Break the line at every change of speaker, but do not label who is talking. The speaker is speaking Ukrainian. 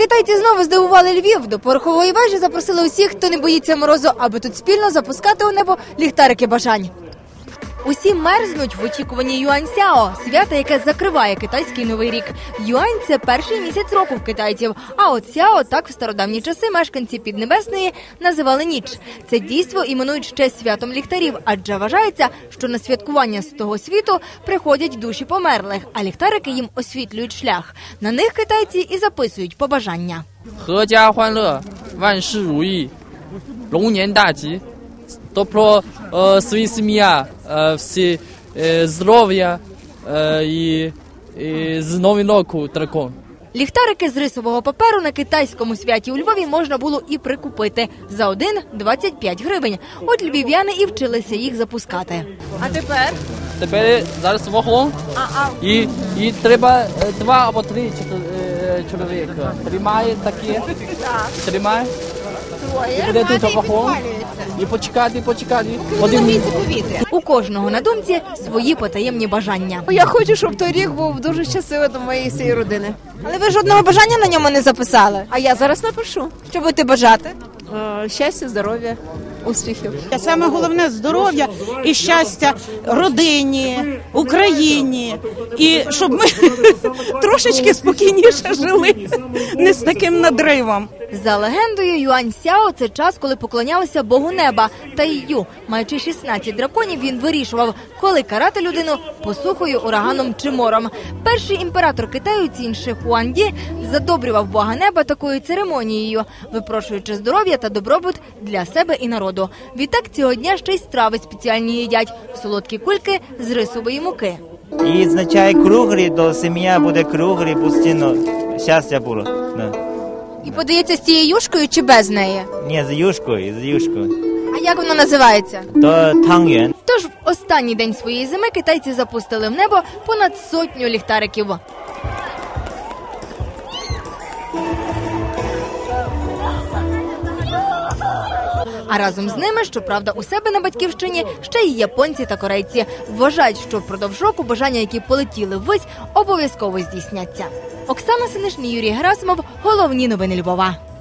Китайці знову здивували Львів. До порохової вежі запросили усіх, хто не боїться морозу, аби тут спільно запускати у небо ліхтарики бажань. Усі мерзнуть в очікуванні Юаньсяо – свята, яке закриває китайський новий рік. Юань – це перший місяць року в китайців, а от Сяо – так в стародавні часи мешканці Піднебесної називали ніч. Це дійство іменують ще святом ліхтарів, адже вважається, що на святкування з того світу приходять душі померлих, а ліхтарики їм освітлюють шлях. На них китайці і записують побажання.
«Хеджа хуанле, ванши руї, лоннян даджі». Тобто свої сім'я, всі здоров'я і з Новим роком дракон.
Ліхтарики з рисового паперу на китайському святі у Львові можна було і прикупити. За один – 25 гривень. От львів'яни і вчилися їх запускати. А тепер?
Тепер зараз вогонь і треба 2 або 3 чоловіка. Тримає таке, тримає. І буде тут вогонь. І почекати.
У кожного на думці свої потаємні бажання.
Я хочу, щоб той рік був дуже щасливий до моєї всієї родини.
Але ви жодного бажання на ньому не записали.
А я зараз напишу.
Що будете бажати?
Щастя, здоров'я, успіхів.
Саме головне – здоров'я і щастя родині, Україні. І щоб ми трошечки спокійніше жили, не з таким надривом.
За легендою, Юаньсяо – це час, коли поклонялися Богу неба. Тайю, маючи 16 драконів, він вирішував, коли карати людину посухою, ураганом чи мором. Перший імператор Китаю Цін Ши Хуанді задобрював Бога неба такою церемонією, випрошуючи здоров'я та добробут для себе і народу. Відтак цього дня ще й страви спеціальні їдять – солодкі кульки з рисової муки.
І означає круглі, то сім'я буде круглі, постійно щастя було.
І подається з цією юшкою чи без неї?
Ні, з юшкою.
А як воно називається?
То тангюен.
Тож в останній день своєї зими китайці запустили в небо понад 100 ліхтариків. А разом з ними, щоправда, у себе на батьківщині ще й японці та корейці. Вважають, що впродовж року бажання, які полетіли ввись, обов'язково здійсняться. Оксана Синишин, Юрій Герасимов. Головні новини Львова.